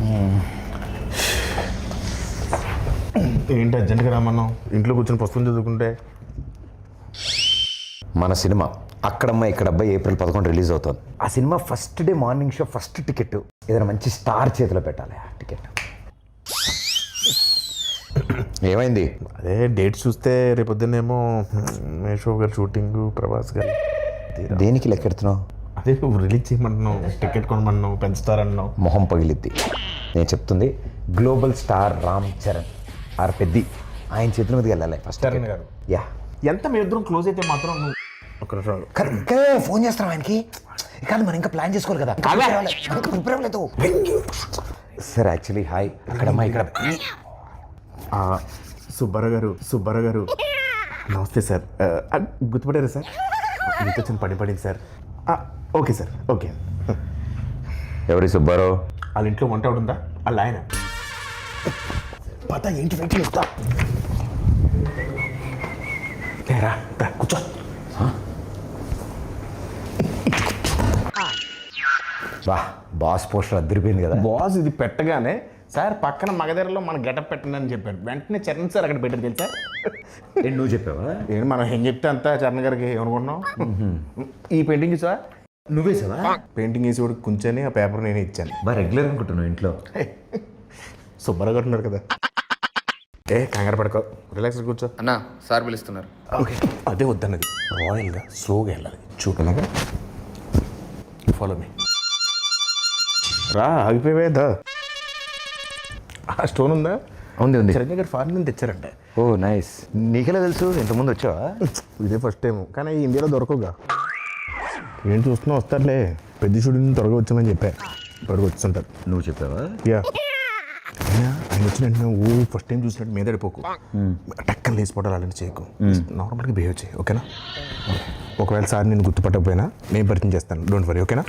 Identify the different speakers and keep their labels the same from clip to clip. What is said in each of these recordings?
Speaker 1: ఏంటి అర్జెంట్గా రామన్నాం? ఇంట్లో కూర్చొని పుస్తకం చదువుకుంటే.
Speaker 2: మన cinema Akkadamma Ikkadabbayi April 11 release అవుతుంది. ఆ cinema first day morning show first ticket ఏదైనా మంచి స్టార్ చేతిలో పెట్టాలి. ఆ టికెట్ ఏమైంది?
Speaker 1: అదే డేట్ చూస్తే రేపొద్దునేమో మేషో గారు షూటింగ్, ప్రభాస్ గారు.
Speaker 2: దేనికి లెక్కెడుతున్నావు?
Speaker 1: అదే నువ్వు రిలీజ్ చేయమంటున్నావు, టికెట్ కొనమన్నావు, పెంచుతారన్నావు.
Speaker 2: మొహం పగిలిద్ది. నేను చెప్తుంది global star Ram Charan R Peddi ఆయన చేతుల మీదకి వెళ్ళాలి ఫస్ట్.
Speaker 1: చరణ్ గారు
Speaker 2: యా
Speaker 1: ఎంత మీ ఇద్దరం క్లోజ్ అయితే మాత్రం నువ్వు ఒక
Speaker 2: ఇంకా ఫోన్ చేస్తాం ఆయనకి. కాదు మనం ఇంకా ప్లాన్ చేసుకోవాలి కదా. ప్రిపేర్ అవ్వలేదు సార్. యాక్చువల్లీ హాయ్ అక్కడమ్మా ఇక్కడ
Speaker 1: సుబ్బారావు గారు నమస్తే సార్. గుర్తుపడారా సార్? మీతో చిన్న పడింది సార్. Okay sir, okay.
Speaker 2: ఎవరి సుబ్బారావు?
Speaker 1: వాళ్ళ ఇంట్లో వంట ఉందా? వాళ్ళ ఆయన పత ఏంటి వెయిట్ చేస్తా. కూర్చో.
Speaker 2: వా బాస్ పోస్టర్ అదిరిపోయింది కదా.
Speaker 1: బాస్ ఇది పెట్టగానే సార్ పక్కన మగధరలో మన గెటప్ పెట్టండి అని చెప్పారు. వెంటనే చరణ్ సార్ అక్కడ పెట్టారు తెలుసా?
Speaker 2: నువ్వు చెప్పావా?
Speaker 1: ఏంటి మనం ఏం చెప్తే అంతా చరణ్ గారికి ఏమనుకుంటున్నాం. ఈ పెయింటింగ్ చూసా?
Speaker 2: నువ్వే సావా?
Speaker 1: పెయింటింగ్ వేసి కూడా కూర్చొని ఆ పేపర్ నేనే ఇచ్చాను.
Speaker 2: బాగా రెగ్యులర్ అనుకుంటున్నావు ఇంట్లో.
Speaker 1: సుబ్బారావు గారు ఉన్నారు కదా. కంగారు పడుకో, రిలాక్స్ కూర్చో.
Speaker 3: అన్నా సార్ పిలుస్తున్నారు.
Speaker 1: ఓకే అదే వద్దన్నది. రాయల్గా స్లోగా వెళ్ళాలి. చూపలాగా ఫాలో మీ. రా ఆగిపోయేదా? ఆ స్టోన్ ఉందా?
Speaker 2: ఉంది.
Speaker 1: చిరంజీవి గారు ఫారెన్ నుంచి తెచ్చారంట.
Speaker 2: ఓ నైస్. నీకెలా తెలుసు? ఇంతకుముందు వచ్చావా?
Speaker 1: ఇదే ఫస్ట్ టైం, కానీ ఇండియాలో దొరకవుగా. ఏం చూస్తున్నా వస్తారులే. పెద్ద షూటింగ్ త్వరగా వచ్చామని చెప్పా. త్వరగా వచ్చుంటారు.
Speaker 2: నువ్వు చెప్పావా?
Speaker 1: యా. ఆయన వచ్చిన వెంటనే ఫస్ట్ టైం చూసినట్టు మీద పడిపోకు. టక్కన లేచిపోవడాలు అలాంటి చేయకు. నార్మల్గా బిహేవ్ చేయి, ఓకేనా? ఒకవేళ సార్ నేను గుర్తుపట్టకపోయినా నేను పరిచయం చేస్తాను. డోంట్ వరీ, ఓకేనా?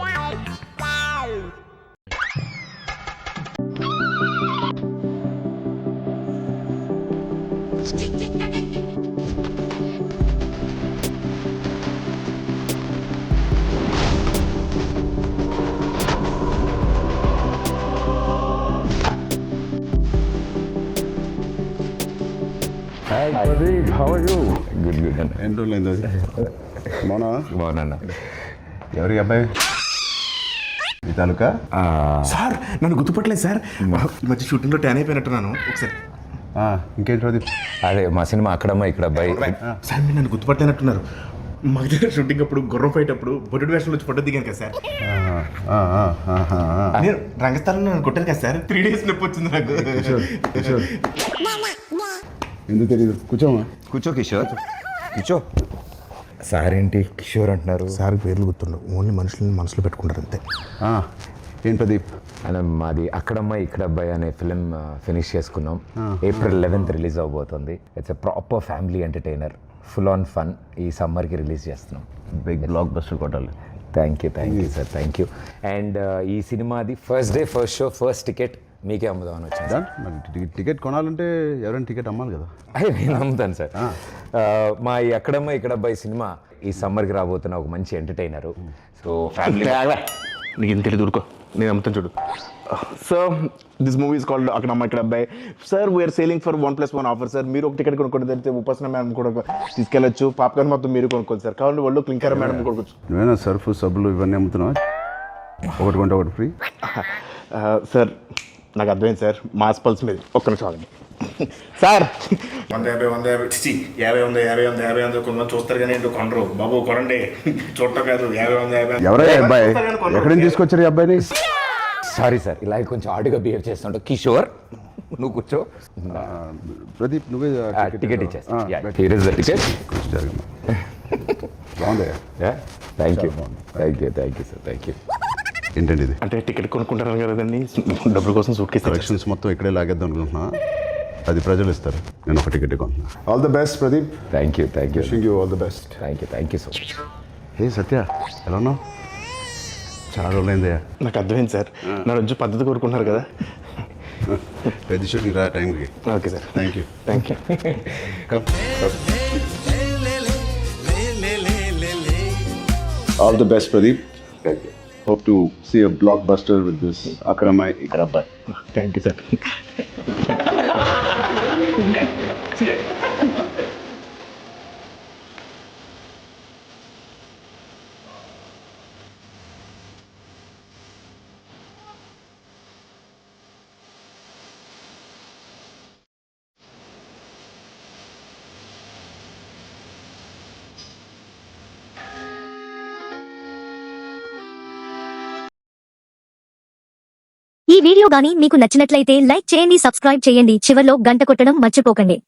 Speaker 2: గుడ్ గుడ్ అన్న.
Speaker 4: ఎన్ని రోజులైంది అది?
Speaker 2: బాగున్నా.
Speaker 4: ఎవరి అబ్బాయి? ఈ తాలూకా?
Speaker 1: సార్ నన్ను గుర్తుపట్టలేదు సార్. ఈ మధ్య షూటింగ్లో ట్యాన్ అయిపోయినట్టున్నాను. ఒకసారి
Speaker 4: ఇంకేంటి అది?
Speaker 2: అదే మా సినిమా అక్కడమ్మ ఇక్కడ అబ్బాయి.
Speaker 1: సార్ మీరు నన్ను గుర్తుపట్టలేనట్టున్నారు. మా దగ్గర షూటింగ్ అప్పుడు గుర్రం ఫైట్ అప్పుడు బొడ్డు వేషంలో వచ్చి ఫోటో దిగాను కదా సార్. నేను రంగస్థలంలో నన్ను కొట్టాను కదా సార్. 3 days నొప్పి వచ్చింది నాకు.
Speaker 4: ఎందుకు తెలియదు? కూర్చోమా.
Speaker 2: కూర్చో కిషోర్, కూర్చో. సార్ ఏంటి కిషోర్ అంటున్నారు?
Speaker 1: సార్ పేర్లు గుర్తుండవు, ఓన్లీ మనుషులని మనసులో పెట్టుకుంటారు అంతే.
Speaker 4: ఏంటి ప్రదీప్?
Speaker 2: అలా మాది అక్కడమ్మ ఇక్కడ అబ్బాయి అనే ఫిలిం ఫినిష్ చేసుకున్నాం. ఏప్రిల్ 11th రిలీజ్ అవబోతుంది. It's a proper family entertainer, full on fun. ఈ సమ్మర్కి రిలీజ్ చేస్తున్నాం.
Speaker 4: బిగ్ బ్లాక్ బస్టర్ కొట్టాలి.
Speaker 2: Thank you sir, thank you. And ఈ సినిమాది first day first show first ticket మీకే అమ్ముదామని వచ్చింది.
Speaker 4: మరి టికెట్ కొనాలంటే ఎవరైనా టికెట్ అమ్మాలి కదా.
Speaker 2: నేను అమ్ముతాను సార్. మా ఈ అక్కడమ్మ ఇక్కడ అబ్బాయి సినిమా ఈ సమ్మర్కి రాబోతున్న ఒక మంచి ఎంటర్టైనరు. So family.
Speaker 1: నీకు ఇంత తెలియదు, ఊరుకో, నేను అమ్ముతాను చూడు. Sir this movie is called Akkadamma Ikkada Abbayi. Sir we're selling for 1+1 offer sir. మీరు ఒక టికెట్ కొనుక్కోండి, తెలిస్తే ఉపాసన మేడం కూడా తీసుకెళ్ళచ్చు. పాప్కార్న్ మొత్తం మీరు కొనుక్కోండి సార్. కావాలంటే వాళ్ళు క్లింకర్ మేడం కొనుక్కోవచ్చు.
Speaker 4: నువ్వేనా సర్ఫ్ సబ్బులు ఇవన్నీ అమ్ముతున్నావా? ఒకటి కొంటే ఒకటి ఫ్రీ.
Speaker 1: సార్ నాకు అర్థమైంది సార్, మాస్ పల్స్ మీద. ఒక్క నిమిషం ఆగండి సార్. 150 50 కొంతమంది చూస్తారు కానీ ఏంటో కొనరు. బాబు కొనండి, చూడటం కాదు. 50
Speaker 4: ఎవరయ్యా అబ్బాయి? ఎక్కడి నుంచి తీసుకొచ్చారు ఈ అబ్బాయిని?
Speaker 2: సారీ సార్, ఇలా కొంచెం ఆడుగా బిహేవ్ చేస్తుంటావు. కిషోర్ నువ్వు కూర్చో.
Speaker 4: ప్రదీప్ నువ్వే
Speaker 2: టికెట్ ఇచ్చేస్తా. Here is the ticket.
Speaker 4: బాగుందయ్యా.
Speaker 2: Thank you sir, thank you.
Speaker 4: ఏంటండి ఇది?
Speaker 1: అంటే టికెట్ కొనుక్కుంటారు కదండి, డబ్బుల కోసం సూట్ కేసు
Speaker 4: కలెక్షన్స్ మొత్తం ఇక్కడే లాగేద్దాం అనుకుంటున్నా. అది ప్రజలు ఇస్తారు, నేను ఒక టికెట్ కొంటున్నా. All the best Pradeep.
Speaker 2: Thank you
Speaker 4: wishing you all the best.
Speaker 2: Thank you so much.
Speaker 4: Hey Satya, ఎలా ఉన్నావు? చాలా రోజులైందయ్యా.
Speaker 1: నాకు అర్థమైంది సార్, నా రోజు పద్ధతి కోరుకుంటున్నారు కదా.
Speaker 4: పెద్ద షూటింగ్ రా టైంకి.
Speaker 1: Okay sir,
Speaker 4: thank you. All the best Pradeep. Hope to see a blockbuster with this Akramai Ikrabbai.
Speaker 1: Thank you sir.
Speaker 3: ఈ వీడియో గాని మీకు నచ్చినట్లయితే లైక్ చేయండి, సబ్స్క్రైబ్ చేయండి, చివర్లో గంట కొట్టడం మర్చిపోకండి.